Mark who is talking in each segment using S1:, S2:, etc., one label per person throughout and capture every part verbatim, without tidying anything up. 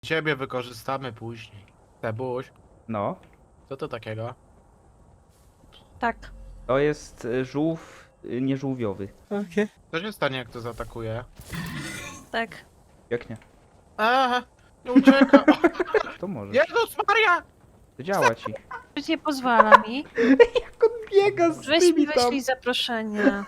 S1: Ciebie wykorzystamy później. Tebuś,
S2: No,
S1: co to takiego?
S3: Tak.
S2: to jest y, żółw y, nieżółwiowy.
S1: Okay. Co się stanie, jak to zaatakuje?
S3: Tak.
S2: Jak nie?
S1: Aha, nie ucieka.
S2: To może.
S1: Jezus Maria!
S2: To działa ci.
S3: Już nie pozwala mi.
S2: Jak on biega z
S3: Weź mi wyślij zaproszenie.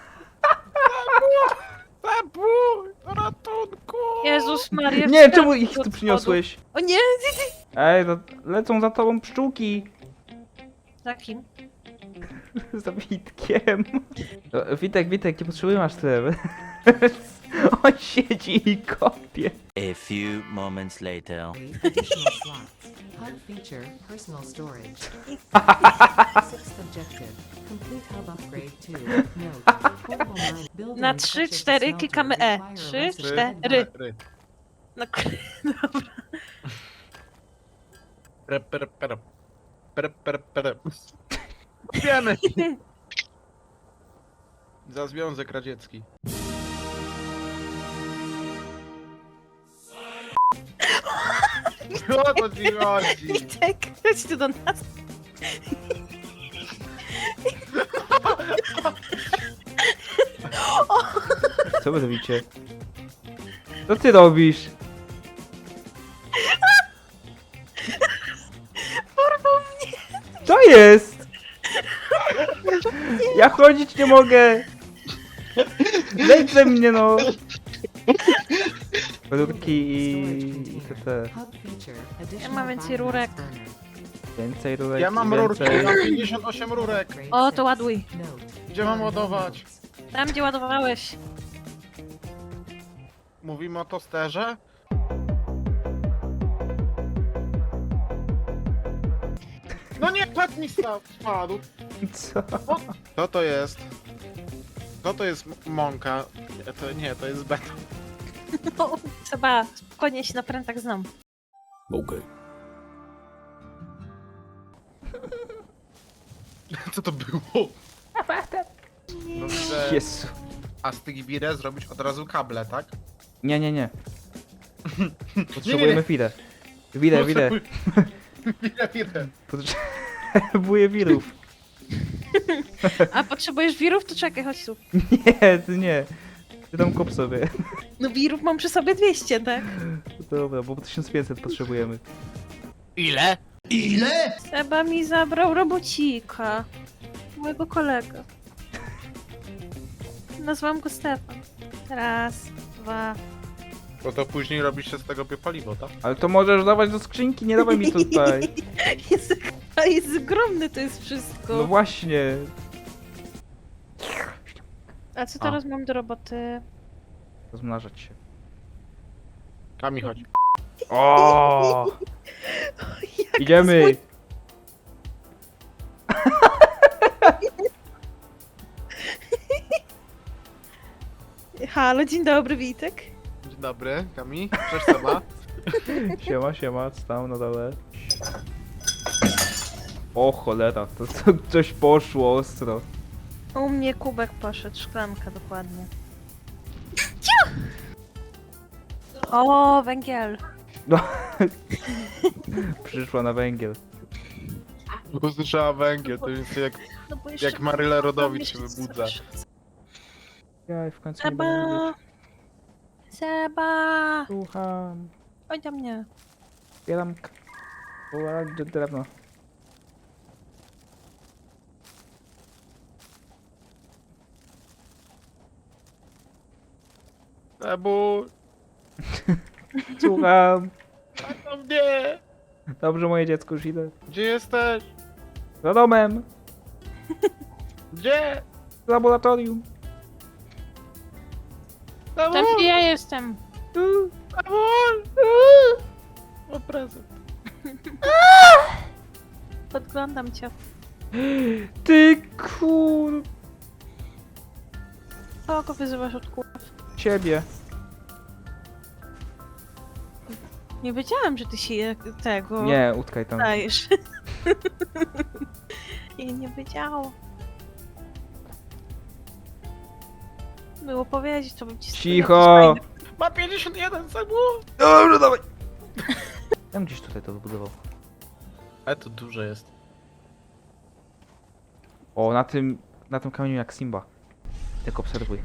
S1: Tebuś, ratunku!
S3: Jezus Maria.
S2: Nie,
S3: wstęp
S2: czemu ich
S3: do
S2: tu
S3: odchodu.
S2: przyniosłeś?
S3: O nie!
S2: Ej, no, lecą za tobą pszczółki.
S3: Za kim?
S2: Za Witkiem. O, Witek, Witek, nie potrzebujemy aż tyle. On siedzi i kopie.
S4: A few moments later.
S5: Additional slots. Hub feature, personal storage. Sixth objective. Complete hub upgrade to note. Portable mine. Building
S3: Na trzy,
S5: such as
S3: cztery
S5: smelter
S3: klikamy E.
S5: require
S3: Trzy,
S5: resident
S3: cztery.
S1: Ry.
S3: No, k- dobra.
S1: Pre, pre, pre. Pre, pre, pre. Wiemy! Za Związek Radziecki. O to ci chodzi?
S3: Witek, chodź tu do nas.
S2: Co wy robicie? Co ty robisz?
S3: Porwał mnie.
S2: Co jest? Ja chodzić nie mogę. Zejdź ze mnie, no. Rurki i... i te, te.
S5: Hub feature.
S3: Ja
S5: Additional
S3: mam więcej
S5: biomass
S3: rurek.
S5: burner.
S2: Więcej rurek,
S1: Ja mam
S2: więcej...
S1: rurkę, mam pięćdziesiąt osiem rurek.
S5: Upgrade
S3: O,
S5: six.
S3: to ładuj.
S5: Note.
S1: Gdzie mam ładować?
S3: Tam, gdzie ładowałeś.
S1: Mówimy o tosterze? No nie, płat mi sta- spadł.
S2: Co?
S1: Co to jest? Co to jest m- mąka? Nie, to nie, to jest beton.
S3: No, trzeba spokojnie się na prętach znam.
S1: Co to było? No widzę,
S2: Jezu.
S1: a z tych birę zrobić od razu kable, tak?
S2: Nie, nie, nie. Potrzebujemy chwilę. Wile, wile.
S1: Birę, birę.
S2: Potrzebuję wirów.
S3: A potrzebujesz wirów? To czekaj, chodź tu.
S2: Nie, ty nie. Ty tam kop sobie.
S3: No wirów mam przy sobie dwieście, tak?
S2: Dobra, bo tysiąc pięćset potrzebujemy.
S1: Ile?
S3: Seba mi zabrał robocika. Mojego kolegę. Nazwałam go Stefan. Raz, dwa.
S1: Bo to później robi się z tego biopaliwo, tak?
S2: Ale to możesz dawać do skrzynki, nie dawaj mi tutaj.
S3: Jest, a jest ogromny to jest wszystko.
S2: No właśnie.
S3: A co teraz mam do roboty?
S2: Rozmnażać się.
S1: Kami chodzi.
S2: O!
S3: Jak
S2: Idziemy!
S3: swój- Halo, dzień dobry, Witek.
S1: Dzień dobry, Kami. Cześć Seba.
S2: Siema, siema, co tam na dole? O cholera, to, to coś poszło ostro.
S3: U mnie kubek poszedł, szklanka dokładnie. O, węgiel.
S2: No. Przyszła na węgiel.
S1: Usłyszała węgiel, to jest jak,
S3: No bo jeszcze
S1: jak Maryla Rodowicz
S3: jeszcze
S1: się wybudza.
S2: Ja w końcu nie będę
S3: Seba!
S2: wiedzieć.
S3: Seba!
S2: Słucham.
S3: Chodź do mnie.
S2: Zbieram k- o, d- drewno.
S1: Tebu,
S2: Słucham.
S1: tak to mnie!
S2: Dobrze, moje dziecko, już idę.
S1: Gdzie jesteś?
S2: Za domem.
S1: Gdzie?
S2: W laboratorium.
S1: Tebu,
S3: Tam gdzie ja jestem.
S2: Tu.
S1: Tebu! O prezent.
S3: Podglądam cię.
S2: Ty kur...
S3: Kogo wyzywasz od kur...
S2: Ciebie.
S3: Nie wiedziałam, że ty się tego
S2: Nie, utkaj tam.
S3: dajesz. I nie wiedziałam. Było powiedzieć, to bym ci
S2: Cicho.
S1: Ma pięćdziesiąt jeden, Tebu!
S2: Dobrze, dawaj. Ja bym gdzieś tutaj to wybudował.
S1: Ale to duże jest.
S2: O, na tym, na tym kamieniu jak Simba. Tak obserwuj.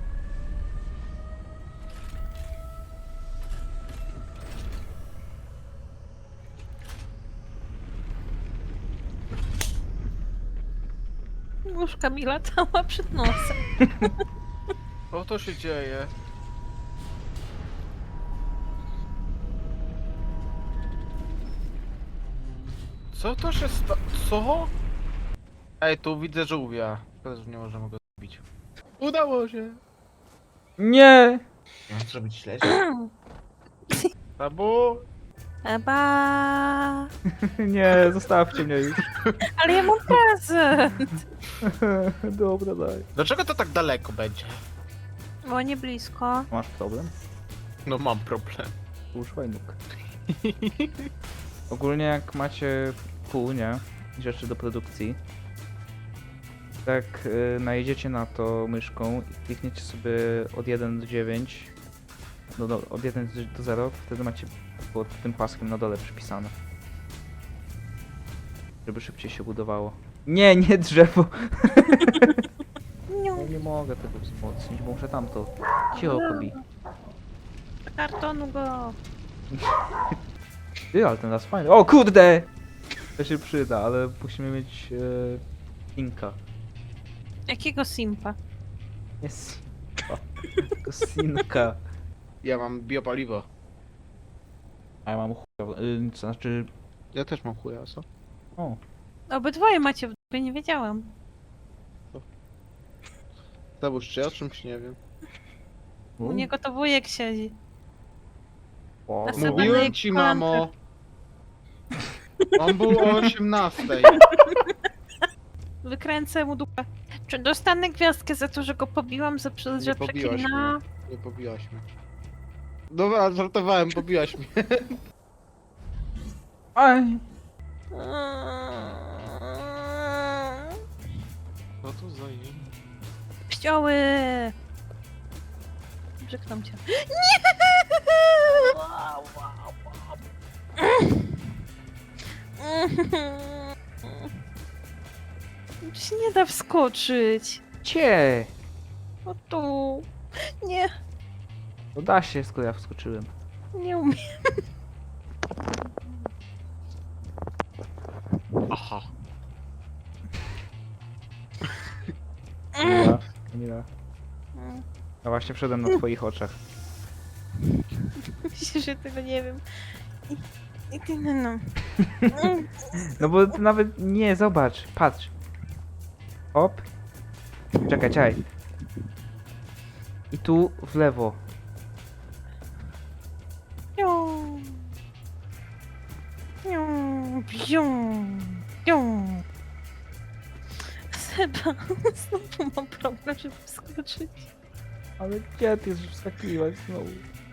S3: Już Kamila cała przed nosem.
S1: Co to się dzieje? Co to się sta... Co? Ej, tu widzę żółwia. Szkoda, że nie możemy go zabić. Udało się!
S2: Nie!
S1: Mam zrobić śledź? Tabu!
S3: Eba.
S2: Nie, zostawcie mnie już.
S3: Ale ja mam prezent.
S2: Dobra, daj.
S1: Dlaczego to tak daleko będzie?
S3: Bo nie blisko.
S2: Masz problem?
S1: No mam problem.
S2: Używaj nóg. Ogólnie jak macie pół, nie? Rzeczy do produkcji. Tak y, najedziecie na to myszką i klikniecie sobie od jeden do dziewięć. No, do, od jeden do zero, wtedy macie pod tym paskiem na dole przypisane. Żeby szybciej się budowało. Nie, nie drzewo!
S3: Nie,
S2: Ja nie mogę tego wzmocnić, bo muszę tamto. Cicho, Kobi.
S3: kartonu go.
S2: Ty, ale ten las fajny. O kurde! To się przyda, ale musimy mieć e, Inka.
S3: Jakiego simpa?
S2: Nie Simpa. To Sinka.
S1: Ja mam biopaliwo.
S2: A ja mam chuja. Y, to znaczy...
S1: Ja też mam chuja, co?
S2: O.
S3: Obydwoje macie w dupie, nie wiedziałam.
S1: Zabóż, czy ja o czymś nie wiem.
S3: U niego to wujek siedzi.
S2: O,
S3: A
S2: no.
S3: sobie-
S1: Mówiłem ci, mamo! On był o osiemnastej.
S3: Wykręcę mu dupę. Czy dostanę gwiazdkę za to, że go pobiłam, za przez,
S1: Nie
S3: że
S1: pobiłaś
S3: przeklina?
S1: Nie pobiłaś mnie. Dobra, żartowałem, pobiłaś mnie.
S2: Aj!
S1: Co to za jem?
S3: Pścioły! Brzyknął cię. Nie! Tu się nie da wskoczyć.
S2: Cie!
S3: O tu. Nie,
S2: No da się, skoro ja wskoczyłem.
S3: nie umiem.
S1: Aha.
S2: Kamila, Kamila. Ja właśnie wszedłem na twoich oczach.
S3: Myślę, że tego nie wiem. I, i ty no. no.
S2: No bo ty nawet nie, zobacz, patrz. Hop. Czekaj, czekaj. I tu w lewo.
S3: Piu. Piu, piu, piu. Seba, znowu mam problem, żeby wskoczyć.
S2: Ale gdzie ty już wskakiłaś znowu?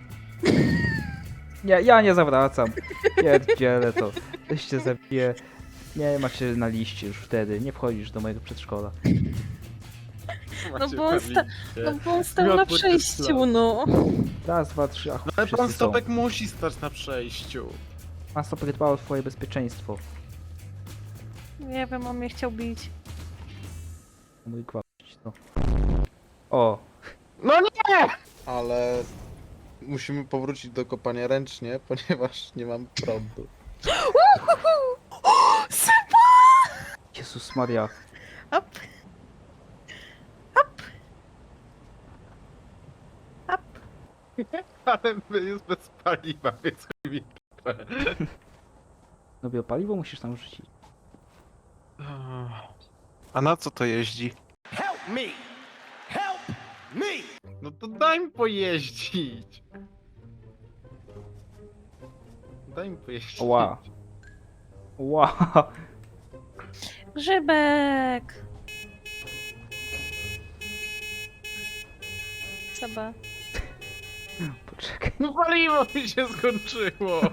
S2: Nie, ja nie zawracam. Pierdzielę to. Weź cię zabiję. Nie macie na liście już wtedy. Nie wchodzisz do mojego przedszkola.
S3: No bo on, sta- no bo on stał na
S1: Miotły
S3: przejściu,
S1: Tesla.
S3: no.
S2: Raz, dwa, trzy, a chuj,
S1: No ale pan
S2: wszyscy są.
S1: Stopek musi stać na przejściu.
S2: Pan Stopek dba o twoje bezpieczeństwo.
S3: Nie wiem, on mnie chciał bić.
S2: Mój gwałcić, no. O,
S1: No nie! Ale musimy powrócić do kopania ręcznie, ponieważ nie mam prądu.
S3: Seba!
S2: Jezus Maria.
S3: Up. Up. Up.
S1: Ale jest bez paliwa, więc chuj mi trochę.
S2: No biopaliwo musisz tam wrzucić.
S1: A na co to jeździ?
S6: Help me! Help me!
S1: No to daj mi pojeździć. Daj mi pojeździć.
S2: Ła. Ła.
S3: Grzybek! Seba.
S2: Poczekaj.
S1: No paliwo mi się skończyło.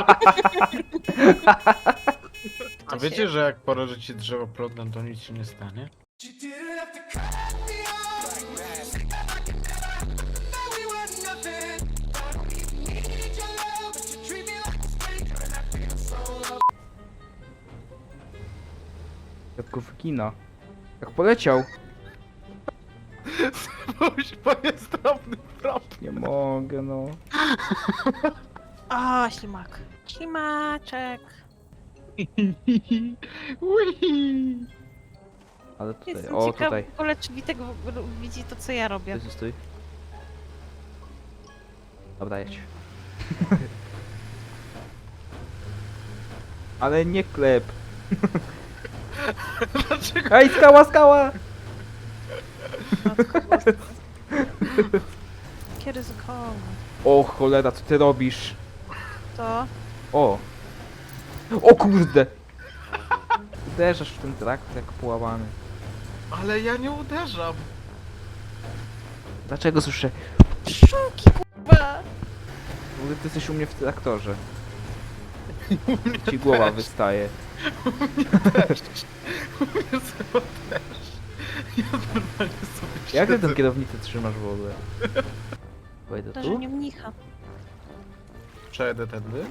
S1: A wiecie, że jak porażycie drzewo prądem, to nic się nie stanie?
S6: You didn't have to cut me off like that. Now we were nothing. Need your love, but you treat me like a stranger, and I
S2: Jak go wygina. Jak poleciał.
S1: Spójrz, bo jest drobny problem.
S2: Nie mogę, no.
S3: O, ślimak. Ślimaczek.
S1: Ui.
S2: Ale tutaj,
S3: Jestem
S2: o
S3: ciekawa
S2: tutaj.
S3: w ogóle, czy Witek w ogóle widzi to, co ja robię.
S2: Stój, stój. Dobra, jedź. Ale nie klep.
S1: Dlaczego?
S2: Ej, skała, skała!
S3: Jakie ryzykowne.
S2: O cholera, co ty robisz?
S3: To...
S2: O! O kurde! Uderzasz w ten traktor jak połamany.
S1: Ale ja nie uderzam.
S2: Dlaczego słyszę?
S3: Szuki, kurwa!
S2: W ogóle ty jesteś u mnie w traktorze. Ci głowa wystaje.
S1: Ja sobie też. Ja normalnie sobie
S2: Jak ty
S1: siedzę.
S2: tę kierownicę trzymasz w ogóle? Wejdę
S3: To, że
S2: tu?
S3: nie mnicha.
S1: Przejedę tędy?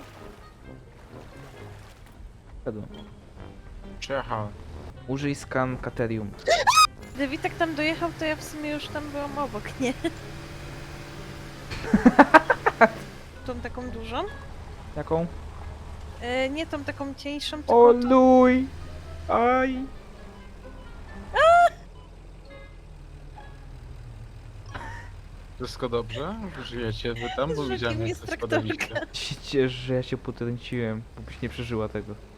S2: Wejdę.
S1: Przejechałem.
S2: Użyj scan Katerium.
S3: Gdy Witek tam dojechał, to ja w sumie już tam byłam obok, nie? Tą taką dużą?
S2: Jaką?
S3: E, nie tą taką cieńszą,
S2: O
S3: tylko tą...
S2: luj! Aj!
S1: Wszystko dobrze? Żyjecie wy tam? Bo
S3: Z
S1: widziałem
S3: żakiem
S1: jak
S3: jest
S1: to spadaliście.
S3: traktorka.
S2: Się ciesz, że ja się potrąciłem, bo byś nie przeżyła tego.